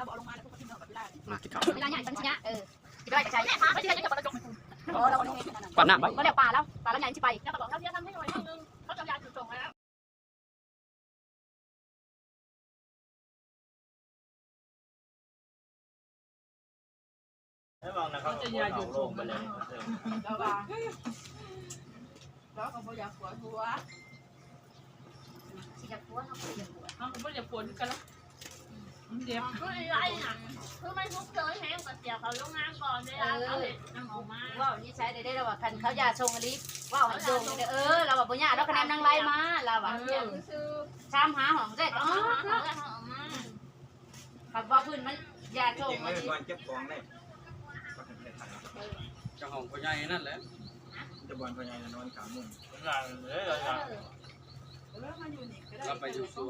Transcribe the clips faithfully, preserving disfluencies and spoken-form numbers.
เราบอกลงมาแล้วพวกที่เราแบบได้มากินข้าวเวลาใหญ่ปัญญาเออได้จะใช้แม่พาไม่ใช่จะประจงโอ้เราคนนี้ความน้ำไว้ก็เดี๋ยวป่าแล้วป่าแล้วใหญ่ที่ไปแล้วก็บอกเขาเรียกทำให้หน่อยนึงเขาจะยาจุดส่งแล้วไม่มองนะเขาจะยาหยุดลงไปเลยแล้วว่าแล้วเขาบอกอยากปวดหัวสิจะปวดเขาจะปวดเขาบอกอยากปวดกันแล้วเดี๋ยวคืออะไรหนังคือไม่ทุกเคยแห้งกับเสียเขาลงงานก่อนเวลาเขาเห็นน้ำออกมาว่านี่ใช้ได้ได้แล้วว่าคันเขายาชงอะไรว่าให้ชงเออเราแบบปัญญาเราคะแนนนางไล่มาเราแบบชามหาของเสร็จอ๋อเขาเลยเขาออกมาขับว่าพื้นมันยาชจงริงไม่เป็นวันเก็บของเลยเจ้าของพ่อใหญ่นั่นแหละจะบอลพญานอนขามุ่งงานเลยเราเราไปอยู่สวน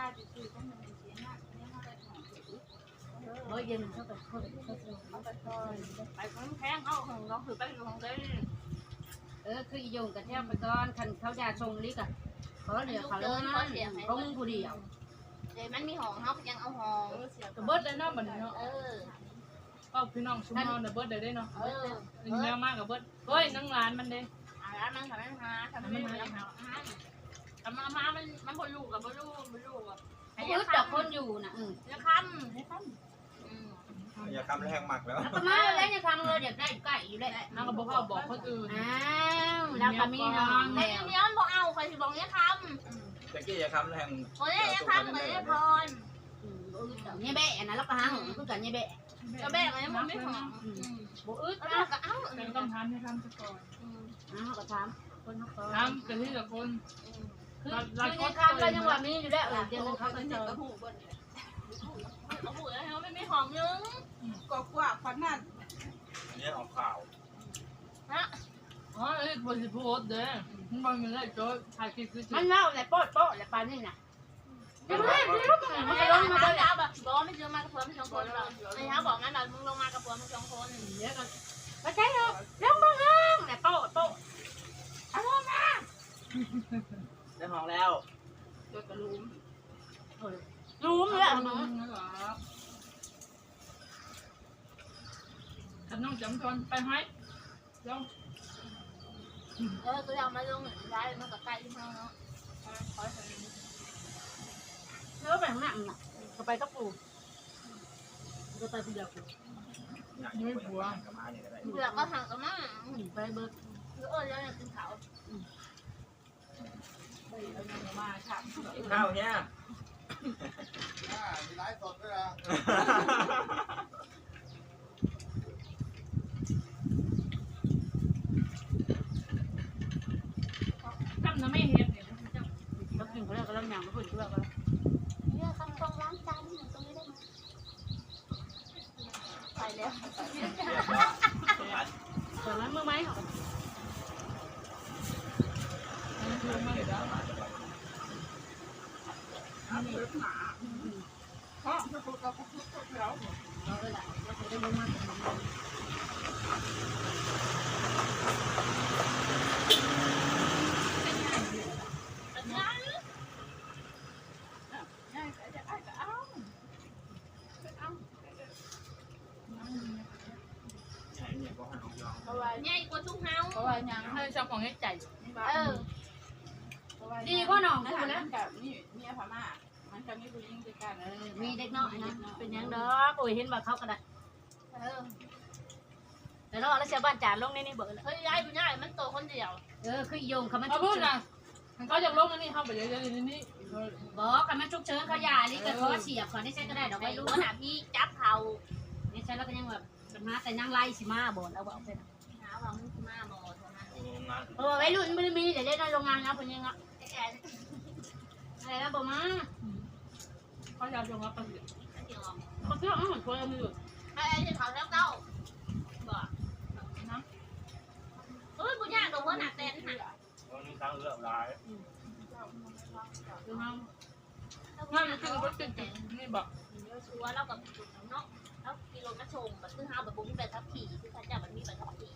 เฮ้ยยังเขาแบบเขาเขาไปคนแข้งเขาของเราคือไปของเต้เออคือโยงกับแทบไปก่อนคันเขายาชงลิกอ่ะเขาเหลือเขาแล้วนั่นเขามึงผู้เดียวเดี๋ยวมันมีห้องเขายังเอาห้องกระเบิดเลยเนาะเหมือนเนาะเออก็พี่น้องชุมนอนเบิดได้เนาะเออเยอะมากกับเบิดเฮ้ยนั่งร้านมันเด้อะไรมันทำให้มาทำให้มาทำมามามันมันพอลูกกับพอลูกพอลูกอ่ะไอ้ยึดดอกคนอยู่นะอืมจะค้ำจะค้ำอย่าคำแรงหมักแล้วแล้วก็มาแล้วจะทำเลยอยากได้ไก่อยู่ได้น้าก็บอกเขาบอกคนอื่นอ้าวแล้วก็มีน้องแต่แล้วเนี้ยมันบอกเอาใครจะบอกเนี้ยค้ำตะกี้อย่าคำแรงคนนี้เนี้ยค้ำคนนี้พรเนี่ยแบะนะแล้วก็หาหงคือกันเนี่ยแบะจะแบกอะไรมันไม่หอมบุอึดก็นะก็เอ้าเป็นคำถามให้ทำซะก่อนอ้าวก็ถามคนเขาทำกันที่ละคนคือคือคำเรายังว่ามีอยู่แล้วเออเดี๋ยวเขาก็เจอเอาปุ๋ยแล้วไม่ไม่หอมนึงก็กว่าพันนั่นเนี่ยออกข่าวอ๋อไอ้บริพูดเด้มันมันไม่ได้โจ้ถ่ายคลิปคือมันเล่าแต่โป๊ะโป๊ะแต่ปานนี่นะยังไงมันไม่ก็ลล้งมมามาแล้วแบบบอกไม่เจอมากับเพื่อนไม่สองคนหรอกไอ้เขาบอกงั้นเรามึงลงมากับเพื่อนไม่สองคนเดี๋ยวกันไม่ใช่หรอกเรื่องมึงห้างแต่โป๊ะโป๊ะเอาลงมาได้ห้องแล้วตัวกระลุมรู้มั้ยมึงเหรอขันน้องจำทนไปไหมลงเออตัวเรามาลงได้มันกับไก่ที่ห้องเนาะคอยเนื้อไปข้างหน้าน่ะก็ไปกับปู่ก็ไปผู้เดียวปู่ไม่หัวกับม้าเนี่ยก็ได้เปลือกก็ห่างกันมากไปเบิกเออแล้วเนี่ยกินเขามาค่ะข้าวเนี่ยมีไลฟ์สดด้วยนะจำนะไม่เห็นเนี่ยแล้วกินเขาเรียกกันแล้วอย่างก็พูดชื่อกันเนี่ยคำตรงล้างจานนี่ตรงนี้ได้ไหมไปแล้วแต่นั้นเมื่อไหร่เหรอใหญ่กว่าทุกเฮาเพราะว่ายังให้ชอบของให้ใจเออดีก็น้องนะกูคะนะกับนี่เมียพม่ามันจะมีผู้หญิงด้วยกันมีเด็กน้อยนะเป็นยังดอกโอ้ยเห็นว่าเขาก็ได้เออแต่เราแล้วเสียบ้านจานลงในนี่เบิร์ดเฮ้ยยายคุณยายมันโตคนเดียวเออคือโยงเขามันเขาชุกพูดเฉินนะเขาอยากลงนี่เขาไปเยอะๆนี่บอกเขามันชุกเฉินเขาหยานี่ก็เขาเสียบเขาได้ใช้ก็ได้ดอกไม่ไม่รู้รู้ขนาดพี่จับเขานี่ใช้แล้วก็ยังแบบมาแต่ยังไล่สิมาบ่นเอาบอกไปหาว่ามึงมาบ่เท่านั้นงานเออไว้รุ่นไม่มีเดี๋ยวได้ในโรงงานนะคนยังอ่ะแกอะไรนะบ่มาเขาอยากลงมาประสิทธิ์เดี๋ยวเขาเชื่อมันคนละมือไอ้ไอ้ที่เขาแล้วเก้าบอกนะเฮ้ยคุณยายตัวหัวหนักเต้นหักวันนี้ตั้งเรื่องร้ายดูเขางั้นมันคือรถติดนี่บอกชัวร์เรากับเนาะแล้วกิโลมาชงแบบคือเฮาแบบบุ้งแบบทับขี่คือเขาจะมันมีแบบทับขี่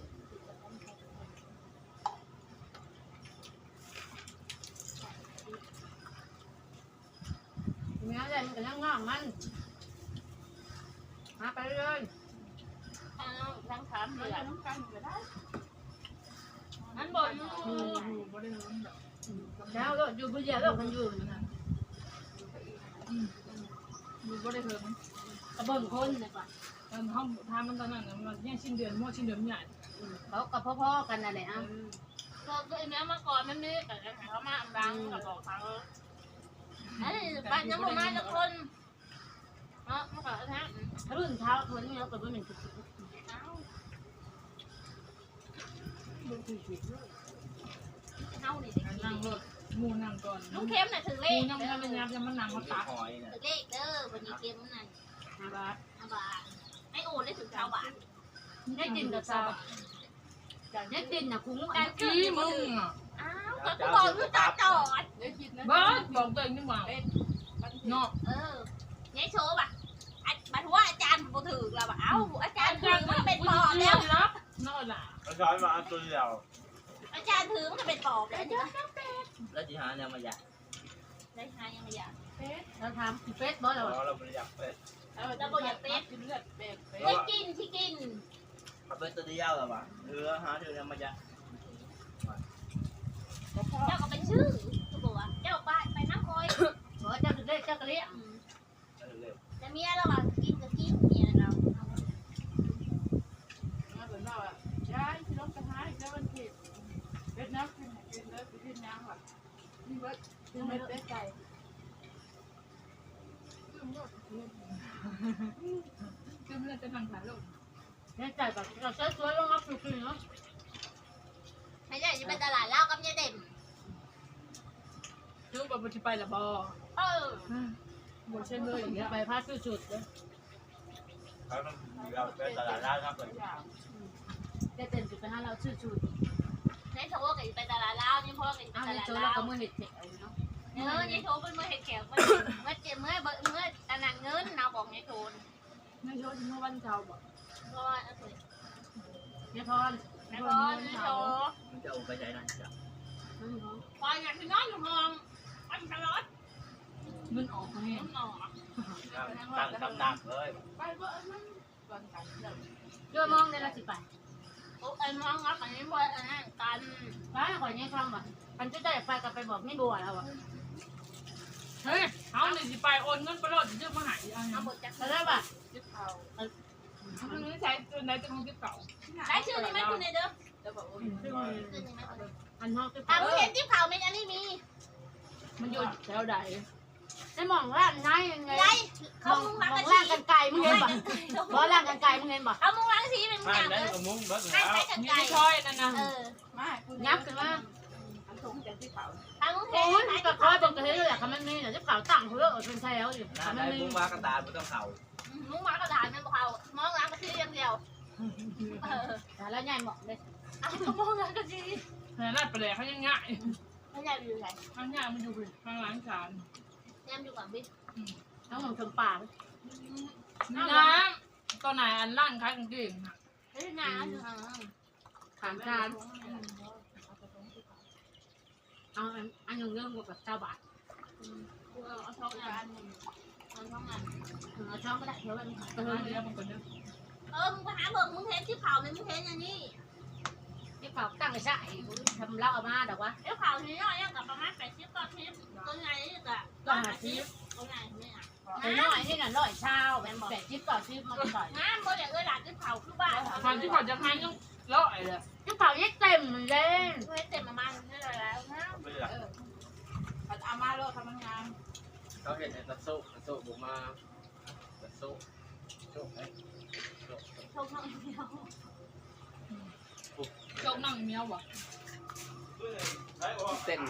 เมียอะไรมันก็ยังงอกมันมาไปเลยทั้งสามเดือนนั่นบ่อยู่อยู่บ่ได้เฮิงดอกแล้วก็อยู่ผู้เดียวแล้วมันอยู่นะอยู่บ่ได้เฮิงกระเบิ่งคนเลยป่ะตอนห้องทามันตอนนั้นมันแย่สิ้นเดือนมั่วสิ้นเดือนใหญ่เขากับพ่อๆกันนั่นแหละอ่ะก็ก็ไอ้แม่มาก่อนมันนี่แต่เขามาดังกับบอกเขาไอ้บ้านยังบ่มาทุกคนเนาะมันก็แท้รุ่นเท้าคนนี้เราก็ไม่เป็นทุกเฮานี่นั่งรถหมู่นั่งก่อนลุงเข้มน่ะถือหเลมู่ขยังไม่ได้ยับยังมันนั่งมาตักหอยเนี่ยถือเลขเด้อวันนี้เกมมันนั่นห้าบาทห้าบาทไอ้โอนได้ถึงเก้าบาทได้กินกับซาได้กินนะคุ้งแต่กี้มึงอ่ะอ้าวก็กูบอกอยู่ตาจอดบ้าบอกตัวเองนี่หว่าเนาะเออยัยโชว์ป่ะบัดว่าอาจารย์บ่ถือเราป่ะเอ้าอาจารย์ถือมันเป็นปอบแล้วรับนอกล่ะเขาช้อนมาเอาตัวเดียวอาจารย์ถือมันก็เป็นปอบแล้วเดี๋ยวแล้วจีหาเนี่ยมาอยากได้หายังไม่อยากเราทำเฟสบอสเราเราไม่อยากเป็ดแล้วบ่อยากเป็ดกินเลือดเป็ดเป็ดได้กินที่กินมาเป็ดตัวเดียวหรอวะเออหาเดี๋ยวเนี่ยมาอยากเจ้าก็เป็นชื่อเขาบอกว่าเจ้าไปไปน้ำคอยบอกเจ้าจะได้เจ้ากระเลี้ยงเร็วแต่เมียเราอ่ะกินก็กินเมียเรามาเหมือนเราอ่ะยายที่รถกระทะแล้วมันผิดเป็ดน้ำกินกินแล้วกินน้ำว่ะนี่ว่ากินไม่เป็ดไก่คือมันจะทำขายลูกเนี่ยใจแบบเราใช้ตัวลงมาปลุกเนาะไม่ใช่จะไปตลาดเหล้ากับยายเด่นคือแบบมันจะไปละบอเออหมดเช่นเลยอย่างเงี้ยไปพาสุดๆเลยๆแล้วเราเป็นตลาดร้านครับเลยได้เต็มจุดไปห้าเราสุดในโชว์ก็จะไปตลาดเหล้านี่พ่อก็จะๆไปเอาตในลาดโซ่เหเราล้าก็มือเห็ดเถอะเนาะเออในโชว์เป็นมือเห็ดแขกเมื่อเมื่อเจ็บเมื่อเมื่ออันนั้นเงินเราบอกในโชว์ไม่ชอบที่เมื่อวันเช้าบอกเพราะว่าเนี่ยพรในพอในโชว์มันจะเอาไปใจนั่นจ้ะพออยากไปนอนอยู่ห้องวันตลอดมันออกมาเห็เห็นนหนอตั้งตำหนักเลยไปเบอร์มันก่อนกันเดี๋ยวเจ้ามองได้ละสิไปโอ้ไอ้ห้องรับอันนี้ว่าอันนั้นกันไปขอเนี่ยฟังว่ะมันจะได้ไปกับไปบอกไม่บัวแล้วอ่ะเฮ้ยเอาหนึ่งสิไปโอนเงินไปรอดเยอะมาหายอันนี้เอาบทจากแล้วป่ะจิ๊บเก่ามันไม่ใช่ตัวไหนตัวของจิ๊บเก่าได้ชื่อนี่ไหมคุณในเด้อซึ่งชื่อนี่ไหมอันห้องจะอ่ะมึงเห็นที่เผาไหมอันนี้มีมันอยู่แถวใดได้มองร่างนายยังไงไรมเขาองมุงมรังองกันร่างสีกันไกลมึงเห็นป่ะบอกร่างกันไกลมึงเห็นป่ะเอามุงรังสีเป็นไม่อย่างได้เลยกับมุ้งเบิร์ดให้แล้วใช้กันมีไก่ช้อยนั่นนะเออยับขึ้นมาทางมุงเทโอ้ยใช้ก็ที่คอเผายบอกกันเลยแหละคำมันมีแต่จะเผาตั้งเขาเลิกเป็นแถวอยู่หน้าคำมัได้นมีมุ้งมากระดานไม่ต้องเข่ามุงมากระดานมันบอกเขามองรังกันสีอย่างเดียวเออแต่แล้วยายบอกเลยอ่ะก็มองรังกันสีแต่ลาดไปเลยเขายังง่ายไม่ใช่อยู่ไหนข้างง่ายมันอยู่ข้างหลังจานแยมอยู่กับบิ๊กน้องหนุ่มชมป่าน้ำตอนไหนอันล่างคล้ายกางเกงค่ะเฮ้ยงานอยู่ห่างขามจานเอาอันอันหนึ่งเรื่องกับเจ้าบาทเอาช่องงานเอาช่องงานเอาช่องก็ได้เดี๋ยวมันเออเดี๋ยวมันก็เนื้อเออมึงไปหาเบิ่งมึงเห็นที่เผาไหมมึงเห็นอย่างนี้ที่เผาตั้งใช่ทำเล่าเอามาดอกวะเดี๋ยวเผาทีน้อยยังกับประมาณแปดสิบก้อนทิพย์ตัวใหญ่นี่ก็ก้อนทิพย์ตัวใหญ่เนี่ยไอ้น้อยนี่น่ะร้อยเช้าแบบแปดชิปต่อชิปมันต่อยงานบ่ได้เอ้ยหลานที่เผาคือบ้านตอนที่เขาจะให้ต้องเลาะเลยที่เผายัดเต็มเลยเฮ็ดเต็มประมาณนี้แล้วนะไม่ได้อามาโลทำงานเขาเห็นไอ้ตะโซ่ตะโซ่บุกมาตะโซ่โซ่ไอ้โซ่ชมน้องเดียวโจ๊กนั่งเมียวบ่เต้น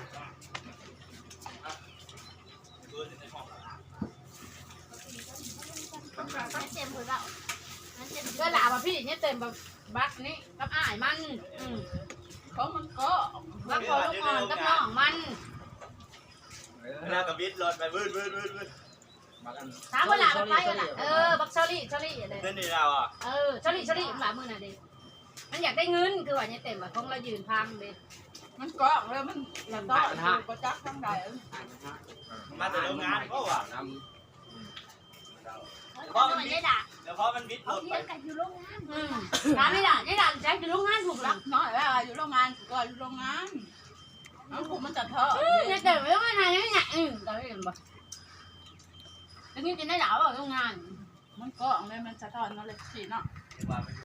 มันเต็มหรือเปล่ามันเต็มก็หลาบพี่เนี่ยเต็มแบบบักนี่กับอ้ายมันอืมเขามันก็บักคอลูกอ่อนกับน้องมันหน้ากับบิดรถไปวืดวืดวืดวืดมากันถามว่าหลาบไปก็หลาเออบักเชอรี่เชอรี่อะไรเต้นนี่เราอ่ะเออเชอรี่เชอรี่หลามือน่ะเด็มันอยากได้เงินคือว่าเนี่ยเต็มแบบของเรายืนพังเด็มันก็แล้วมันแล้วก็ก็จักทั้งใดมาจากโรงงานก็ว่ะโเพราะมันได้ด่าเดี๋ยวเพราะมันวิทย์หมเขาดเทีไปยงกันอยู่โรงงานอืมร้านไม่ด่าไม่ด่าแจ็คอยู่โรงงานถูกหลัรักกน้อยแล้วอยู่โรงงานก็อยู่โรงงานน้องผมมันจะเถอะเนี่ยแต่ไม่ว่าไงไม่ไงอืมแต่ไม่เห็นบ่แล้วนี่จะได้ด่าว่าโรงงานมันก็เอาเลยมันจะทอนนั่นเลยสิเนาะเดี๋ยวว่าไป